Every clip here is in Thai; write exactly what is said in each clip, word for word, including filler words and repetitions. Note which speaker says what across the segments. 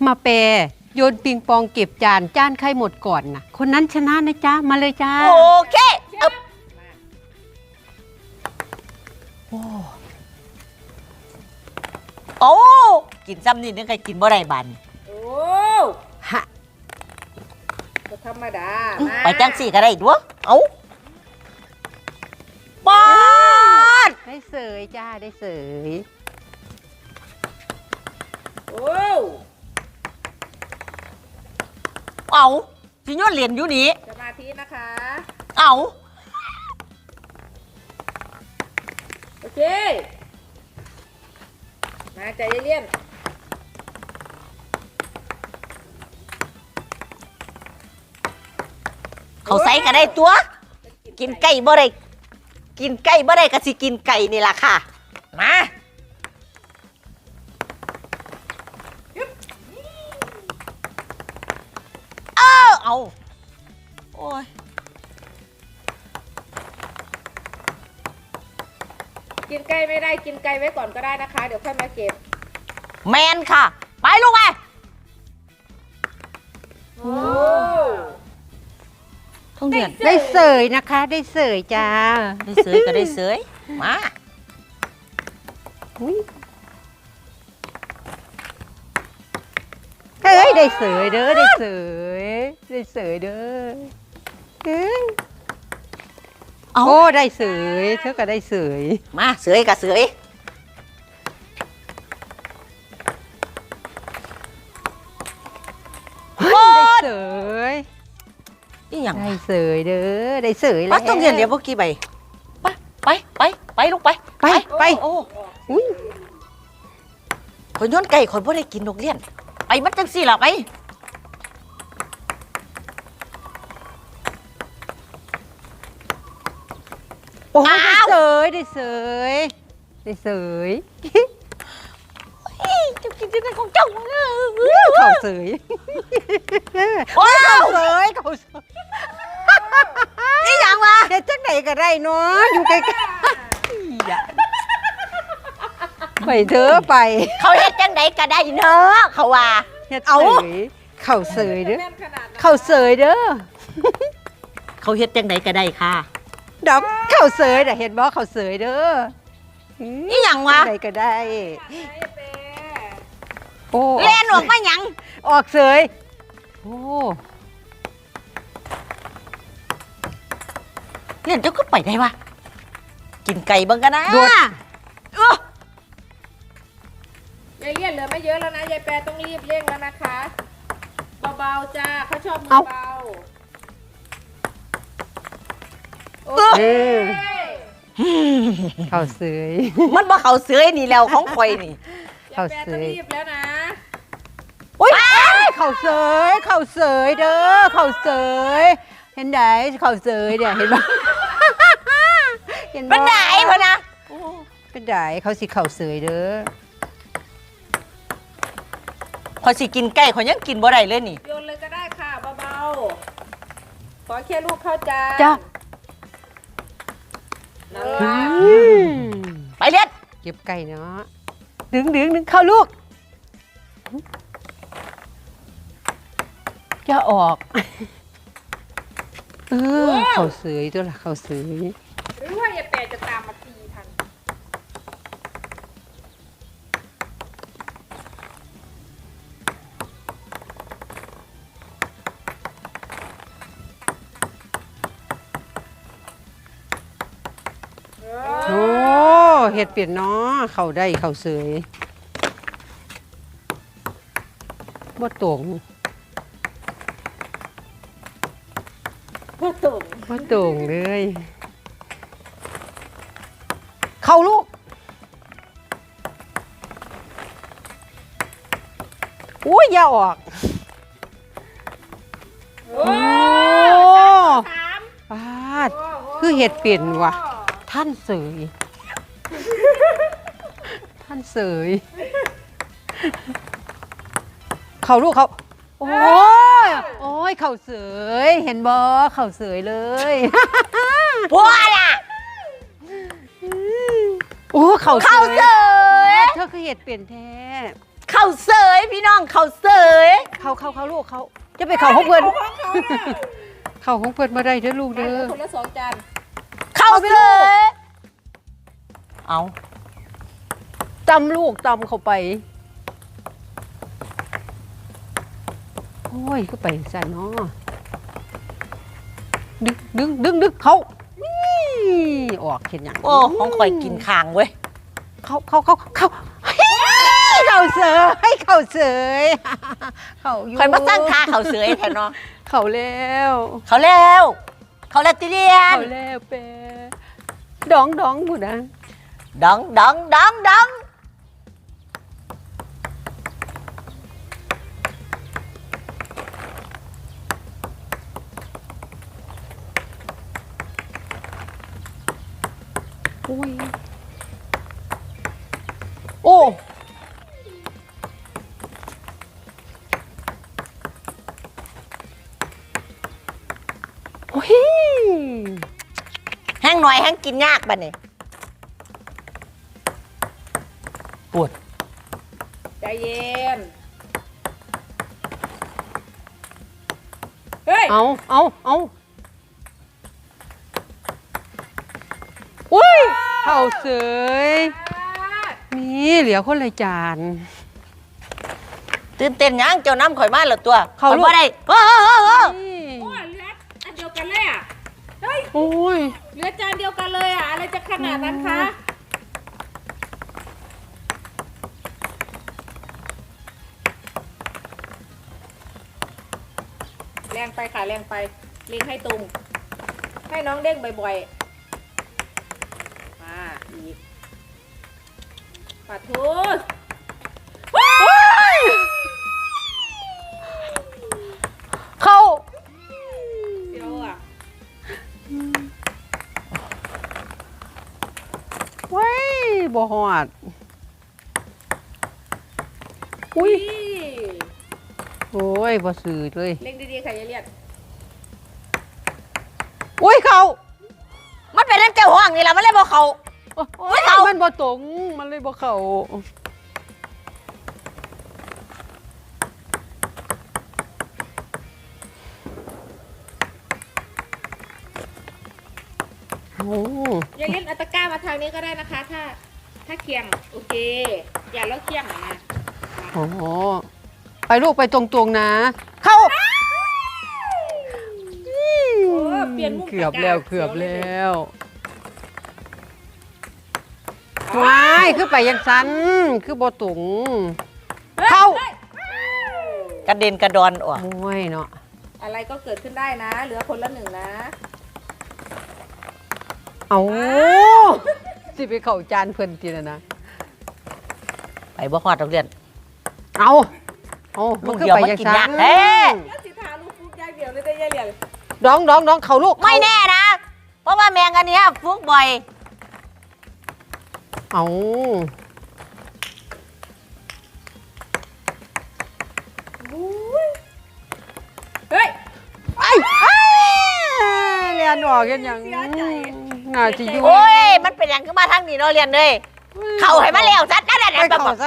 Speaker 1: มาเปโยนปิงปองเก็บจานจานใครหมดก่อนนะคนนั้นชนะนะจ๊ะมาเลยจ้า
Speaker 2: โอเคอึบโอ้โอ้กินซ้ำนี่นึกใครกินบ่ได้บัน
Speaker 3: โอ้
Speaker 1: ฮะ
Speaker 3: ก็ธรรมดา
Speaker 2: ไปจังสี่ก็ได้ด้วยเอาปอด
Speaker 1: ได้เสยจ้าได้เสย
Speaker 3: โอ้
Speaker 2: เอาพี่ย้อนเหรียญอยู่นี่
Speaker 3: สมาธินะคะ
Speaker 2: เอา
Speaker 3: โอเคมาใจเย็น
Speaker 2: เขาใส่ก็ได้ตัวกินไก่บ่ได้กินไก่บ่ได้ก็สิกินไก่นี่ล่ะค่ะมาเออเอาโอ้ย
Speaker 3: กินไก่ไม่ได้กินไก่ไว้ก่อนก็ได้นะคะเดี๋ยวค่อยมาเก็บ
Speaker 2: แมนค่ะไปลูกไป
Speaker 3: โอ้
Speaker 2: ท่องเดือน
Speaker 1: ได้เสยนะคะได้เสยจ้า
Speaker 2: ได้เสยก็ได้เสยมา
Speaker 1: เฮ้ยได้เสยเด้อได้เสยได้เสยเด้อเฮ้ยโอ้ได้เสยเธอก็ได้เสย
Speaker 2: มาเสยกับเสย
Speaker 1: ได้เสย
Speaker 2: นี่อย่าง
Speaker 1: ได้เสยเด้อได้เสยแล้ว
Speaker 2: ป้าต้องเรียนเดี๋ยวพวกกี่ใบไปไปไปไปลูกไป
Speaker 1: ไปไป
Speaker 2: โอ้คนย้อนไก่คนพ่ได้กินนกเลี้ยนไปมัดจังสี่หรอไป
Speaker 1: โอ้ได้เสยได้เสยได้เสย
Speaker 2: จะกินที่ไหนของเจ้า
Speaker 1: เข่าเสย
Speaker 2: ว้าว
Speaker 1: เสยเข่าเสย
Speaker 2: นี่อย่างวะ
Speaker 1: เฮ็ดจังไหนก็ได้เนาะอยู่ใกล้ๆไปเถอะไป
Speaker 2: เขาเฮ็ดจังไหนก็ได้เนาะเขาว่า
Speaker 1: เฮ็ดเสยเข่าเสยเด้อเข่าเสยเด้อ
Speaker 2: เขาเฮ็ดจังไหนก็ได้ค่ะ
Speaker 1: ดอกเข่าเสยน่ะเห็นบ่เข่าเสยเด้อ
Speaker 2: นี่หยังวะ
Speaker 1: ไหนก็ได้โอ้
Speaker 2: เล่นออกมาหยัง
Speaker 1: ออกเสยโอ้
Speaker 2: เล่นเจ้าก็ไปได้วะกินไก่บ้างกันนะ
Speaker 1: โดด
Speaker 2: เอ
Speaker 3: อยายเลี่ยนเหลือไม่เยอะแล้วนะยายแปรต้องรีบเร่งแล้วนะคะเบาๆจ้าเขาชอบมือเบาโอเค
Speaker 1: เข่าเสย
Speaker 2: มันบ่เขาเสือนี่แล้วของข่อยนี่
Speaker 3: ยายแปรต้องรีบแล้วนะ
Speaker 2: โอ้ย
Speaker 1: เข่าเสยเข่าเสยเด้อเข่าเสยเห็นได้เข่าเสยเนี่ยเห็นบ่
Speaker 2: เห็นบ่เป็นได้พ่อนะ
Speaker 1: เป็นได้เขาสิเข่าเสยเด้อ
Speaker 2: ข่อยสิกินไก่ข่อยยังกินบ่ได้เลยนี่
Speaker 3: โยนเลยก็ได้ค่ะเบาๆขอแค่ลูกเข้าใจ
Speaker 1: จ้า
Speaker 2: ไปเลียด
Speaker 1: เก็บไก่เนาะดึงดึงดึงเข้าลูกจะออกเออเขาเสยตัวละเขาเสย
Speaker 3: หรือว่ายายแปรจะตามมาตีทัน
Speaker 1: โอ้เห็ดเปลี่ยนเนาะเขาได้เขาเสยบ่ตรง
Speaker 3: บ่ตรง
Speaker 1: บ่ตรงเลยเข้าลูกโอ้ยอย่าออก
Speaker 3: โอ้
Speaker 1: ปาดคือเห็ดเปลี่ยนว่ะท่านเสยท่านเสยเขาลูกเขาโอ้ยโอ้ยเขาเสยเห็นบ่เขาเสยเลย
Speaker 2: บัวล่ะ
Speaker 1: โอ้เขา
Speaker 2: เสย
Speaker 1: เธอคือเห็ดเปลี่ยนแท้
Speaker 2: เขาเข้าเสยพี่น้องเข้าเสย
Speaker 1: เข้าเข้าเข้าลูกเขาจะไปเข้าห้องเพื่อน
Speaker 3: ของเขาน่ะ
Speaker 1: เข้าห้องเพื่อนมาได้เด้อลูก
Speaker 3: ได้
Speaker 1: เด้อ
Speaker 3: คนละสองจาน
Speaker 2: เข้าเสยเอา
Speaker 1: ตำลูกตำเข้าไปโอ้ยก็ไปใส่เนาะดึงดึงดึงดึงเขานี่ออกเห็นอย่าง
Speaker 2: โอ้ของข่อยกินคางเว้ย
Speaker 1: เขาเขาเขาเขาเฮ้ยเขาเสยให้เขาเสยเขาอยู่
Speaker 2: ข่อยมาตั้งท่าเข้าเสยแทนเนาะ
Speaker 1: เขาแล้ว
Speaker 2: เขาแล้วเขาแล้วติเรียน
Speaker 1: เขาแล้วเปดองดองบุนะ
Speaker 2: ดองดองดองดอง
Speaker 1: โอ้ยโอ้โอ้ย
Speaker 2: แห้งหน่อยแห้งกินยากบัดนี้ปวด
Speaker 3: ใจเย็นเฮ้ย
Speaker 1: เอาเอาเอาอุ้ยเขาเสยมีเหลือคนละจาน
Speaker 2: ตื่นเต้นยังเจ้าน้ำข่อยมาแล้วตัว
Speaker 1: เขาลูก
Speaker 2: ข่อยบ่ได้เออเออเออเออ
Speaker 1: นี่
Speaker 3: โอ้ยเหลืออันเดียวกันเลยอ่ะเฮ้ย
Speaker 1: โอ้ย
Speaker 3: เหลือจานเดียวกันเลยอ่ะอะไรจะขนาดนั้นคะแรงไปค่ะแรงไปเล็งให้ตรง ให้น้องเด้งบ่อยๆมาอีกปัดทุส
Speaker 1: เขา
Speaker 3: เดี๋ยวอ่ะ
Speaker 1: เว้ยบ่หอดอุ้ย
Speaker 3: นี่
Speaker 1: โอ้ยบ่สื่อเลย
Speaker 3: เล็งดีๆค่ะยายเลียด
Speaker 1: อุ้ยเขา
Speaker 2: มันเป็นน้ำเจ้าห้องนี่แหละมันเลยบอกเขา
Speaker 1: โอ้ย
Speaker 2: เขามั
Speaker 1: มันบ่ตรงมันเลยบ่เข้าโอ้
Speaker 3: ยายเลียดเอาตะกร้ามาทางนี้ก็ได้นะคะ ถ้าถ้าเคียงโอเค อย่าแล้วเคียงนะ
Speaker 1: โหไปลูกไปตรงๆนะ เข้า
Speaker 3: โอ้เปลี่ยนมุม
Speaker 1: เกือบ
Speaker 3: ตะร้า
Speaker 1: แล้วเกือบแล
Speaker 3: เสีย
Speaker 1: ้วว้ายคือไปยังสันคือบ่ตุง
Speaker 3: ฮ้ย
Speaker 1: เข้า
Speaker 3: ฮ้ย
Speaker 2: กระเด็นกระดอนออก
Speaker 1: โอ้ยเนาะ
Speaker 3: อะไรก็เกิดขึ้นได้นะ เหลือคนละหนึ่งนะ
Speaker 1: เอาสิไปเข้าจานเพิ่นทีนะนะ
Speaker 2: ไปบ่ฮอดโรงเรียน
Speaker 1: เอาเอา
Speaker 2: ลู
Speaker 1: มัน
Speaker 2: ก
Speaker 1: คือ
Speaker 2: เดียว
Speaker 1: ไป
Speaker 2: มัน
Speaker 1: ยัง
Speaker 2: กิน
Speaker 1: สั
Speaker 2: ยาก
Speaker 1: น
Speaker 2: แท้
Speaker 3: แล้วสิทาลูกฟุกอย่างเดียวเลยได้ยายเลียด
Speaker 1: ดองดองดองเขาลูก
Speaker 2: ไม่แน่นะ เพราะว่าแมงอันเนี้ยฟุกบ่อย
Speaker 1: เอา
Speaker 3: เฮ้ย
Speaker 1: ไอ้ไอ้เรียนออกกันยัง
Speaker 3: เสียใจ
Speaker 1: น่าจะอยู่
Speaker 2: โอ้ย มันเป็นอย่างขึ้นมาทางนี้เนาะเรียนเลย เข้าให้มาแล้วซัดนั่น
Speaker 1: ไป
Speaker 2: น่ะแบบ
Speaker 1: เข้าซะ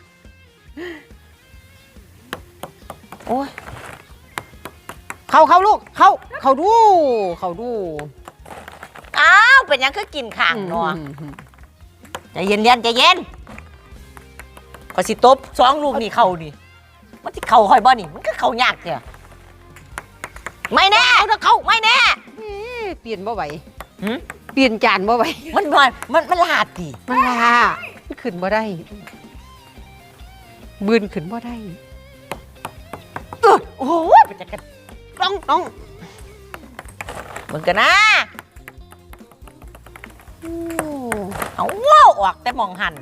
Speaker 2: โอ้ย
Speaker 1: เข้าเข้าลูกเข้าเข้าดูเข้าดู
Speaker 2: อ้าวเป็นอย่างคือกินข้างเนาะใจเย็นเรียนใจเย็นก็สิตบสองลูกนี่เข้านี่มันที่เข้าค่อยบ่นี่มันก็เข้ายากเถอะไม่แน่เข้าไม่แน่
Speaker 1: เอ๊ะเปลี่ยนบ่ไหว
Speaker 2: หืม
Speaker 1: เปลี่ยนจานบ่ไหว
Speaker 2: มันมันมันมันลาดดิ
Speaker 1: มันลามันขึ้นบ่ได้บืนขึ้นบ่ได้
Speaker 2: เออโอ้โหเป็นจังกัน
Speaker 1: ต้องต้อง
Speaker 2: มึงกันนะ
Speaker 1: โอ้
Speaker 2: เอาว้าวออกแต่มองหัน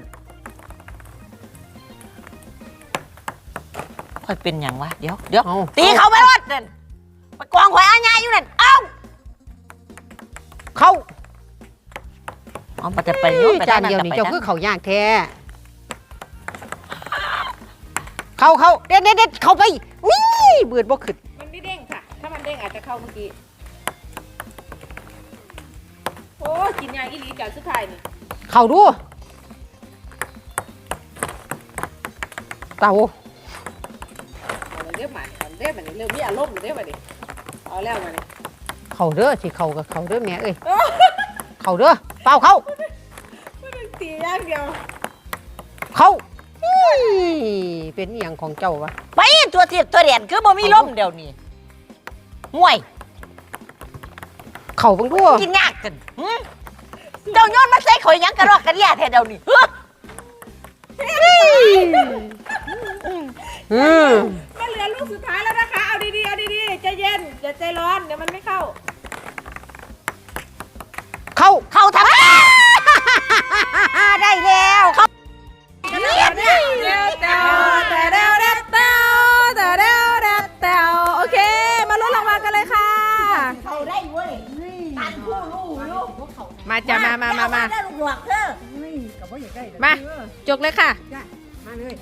Speaker 2: ค่อยเป็นอย่างวะเดี๋ยวเดี๋ยว
Speaker 1: เอา
Speaker 2: ตีเขาไปรถนั่นไปกองหอยอาญาอยู่นั่นเอ้า
Speaker 1: เข้า
Speaker 2: เอาไปแต่ไปโยนไป
Speaker 1: จานเดียวนี่
Speaker 2: ไป
Speaker 1: เจ้าคือเขายากแท้เข้าเข้าเด็ดเด็ดเด็ดเข้าไปนี่เบือนบ่ขึ้น
Speaker 3: มันไม่เด้งค่ะ ถ้ามันเด้งอาจจะเข้าเมื่อกี้ โอ้กินยาอีหลีจากสุดท้ายนี่
Speaker 1: เข้าดูเตา
Speaker 3: เอาเลยเรียบมันเอาเรียบมันเริ่มมีอารมณ์เรียบมันดิเอาแล้วมัน
Speaker 1: เขาเด้อสิเขากับเขาเด้อแม่เอ้ยเขาเด้อเปล่าเขา
Speaker 3: มันตีอย่างเดียว
Speaker 1: เขาอี้เป็นอหย่างของเจ้าวะ
Speaker 2: ไปตัวเทียบตัวเรียนคือบ่มีลมเดี๋ยวนี้ห่วย
Speaker 1: เขาเบังทั่ว
Speaker 2: กินยากกันหึเจ้าโยนมาใส่ข่อยหยังกระรอกกระเดียแท้เดี๋ยวนี้เฮ้อ
Speaker 1: อืม
Speaker 3: มันเหลือลูกสุดท้ายแล้วนะคะเอาดีๆเอาดีๆใจเย็นอย่าใจร้อนเดี๋ยวมันไม่เข้า
Speaker 1: เขา
Speaker 2: เข้าทำไมได้แล้วเข้า
Speaker 3: เร็วเร็วเร็วแต่เร็วเร็วแต่แต่เร็วเร็วแต่โอเคมาลุ้นรางวัลกันเลยค่ะ
Speaker 2: เข้าได้เว้ยตันผู้รู้ลูก
Speaker 3: มาจ้ะมามามามา
Speaker 2: ได้ลูกหลวกเด้อ
Speaker 3: มาจกเลยค่ะ
Speaker 1: มาเลย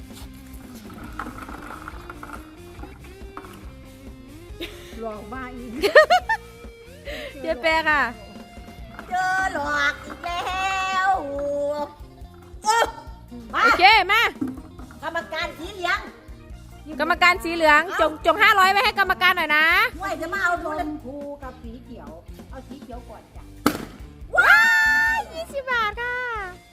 Speaker 3: เจ๊แปะค่ะ
Speaker 2: เจอหลอกอีกแล้วเออมา
Speaker 3: โอเคมาก
Speaker 2: รรมการสีเหลือง
Speaker 3: กรรมการสีเหลืองจงจงห้าร้อยไว้ให้กรรมการหน่อยนะ
Speaker 2: ห่วยจะมาเอาโดน
Speaker 1: ภูกับสีเขียวเอาสีเขียวก่อนจ้ะ
Speaker 3: ว้ายยี่สิบบาทค่ะ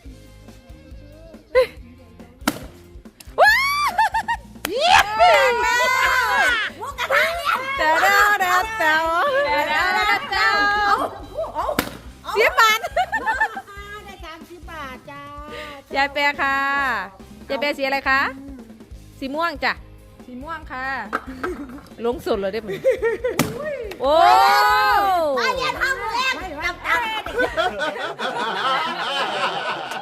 Speaker 3: ว้ายเยี่ยมเลย
Speaker 2: หมูกระทะเนี่ย
Speaker 3: เต๋อเต๋อเต๋อเต๋อเต๋อเต๋อเต๋อสิบบาท
Speaker 1: ได้สามสิบบาทจ้าย
Speaker 3: ายแปรค่ะยายแปรสีอะไรคะสีม่วงจ้ะสีม่วงค่ะลงสุดเลยได้ไหมโอ้
Speaker 2: มาเย็นห้องแรกจับตา